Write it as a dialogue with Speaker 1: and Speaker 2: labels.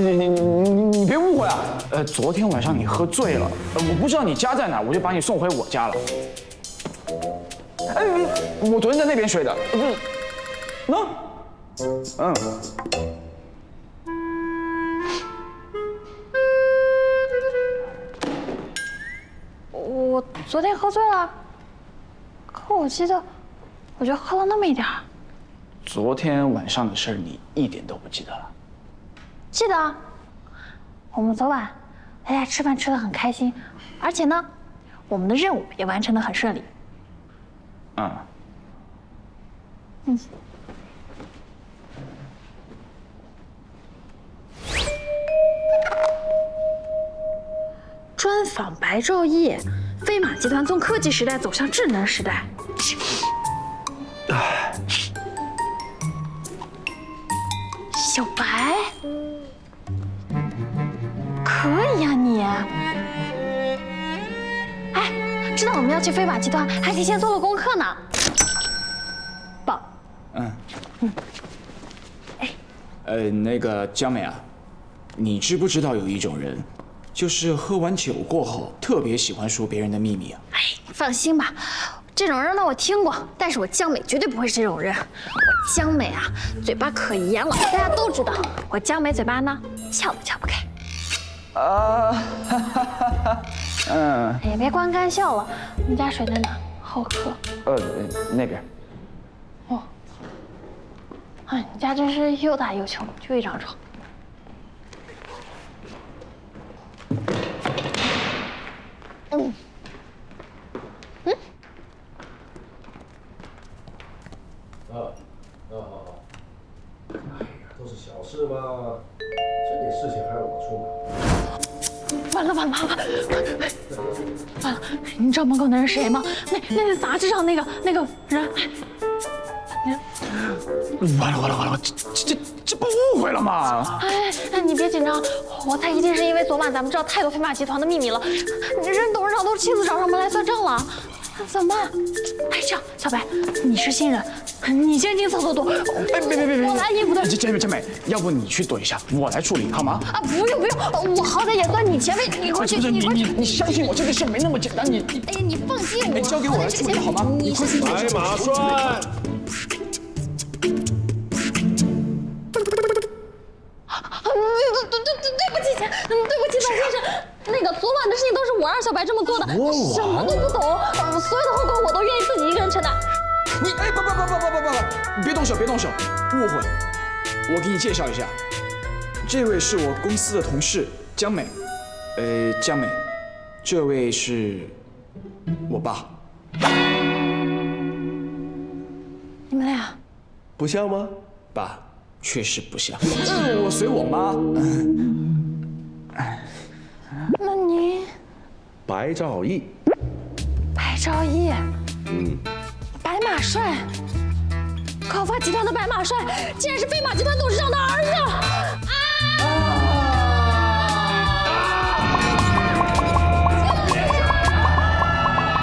Speaker 1: 你别误会啊！昨天晚上你喝醉了，我不知道你家在哪，我就把你送回我家了。哎，我昨天在那边睡的，不是？喏，
Speaker 2: 我昨天喝醉了，可我记得，我就喝了那么一点儿。
Speaker 1: 昨天晚上的事儿你一点都不记得了？
Speaker 2: 记得啊，我们昨晚大家吃饭吃得很开心，而且呢，我们的任务也完成得很顺利。专访白昼烨，飞马集团从科技时代走向智能时代。小白，可以呀你。哎，知道我们要去飞马集团，还提前做了功课呢。棒。
Speaker 1: 那个江美啊，你知不知道有一种人，就是喝完酒过后特别喜欢说别人的秘密啊？
Speaker 2: 哎，放心吧，这种人呢我听过，但是我江美绝对不会是这种人。我江美啊，嘴巴可严了，大家都知道。我江美嘴巴呢，撬都撬不开。哎，别光干笑了。我们家水在哪？好渴。
Speaker 1: 那边。
Speaker 2: 哦。哎，你家真是又大又穷，就一张床。
Speaker 3: 好。哎呀，都是小事嘛，这点事情还要我出马？
Speaker 2: 完了！你知道门口那人谁吗？那杂志上那个人。
Speaker 1: 完了！这不误会了吗？
Speaker 2: 哎，你别紧张，我猜一定是因为昨晚咱们知道太多飞马集团的秘密了，人董事长都亲自找上门来算账了，怎么办？哎，这样，小白，你是新人，你先进厕所躲。
Speaker 1: 哎，别！
Speaker 2: 我拿衣服的。
Speaker 1: 江美，要不你去躲一下，我来处理好吗？
Speaker 2: 啊，不用，我好歹也算你前辈，你快去，
Speaker 1: 你相信我，这个事没那么简单，你。
Speaker 2: 哎呀，你放心，我
Speaker 1: 交给我来处理好吗？你快去。
Speaker 3: 白马栓。
Speaker 2: 对不起，白先生，那个昨晚的事情都是我让小白这么做的，什么都不懂，所有的后果我都愿意自己一个人承担。
Speaker 1: 你不，别动手，误会。我给你介绍一下，这位是我公司的同事江美，江美，这位是我爸。
Speaker 2: 你们俩
Speaker 3: 不像吗？
Speaker 1: 爸，确实不像。我随我妈。
Speaker 2: 那你？
Speaker 3: 白兆义。
Speaker 2: 白兆义。白马帅。考发集团的白马帅，竟然是飞马集团董事长的儿子。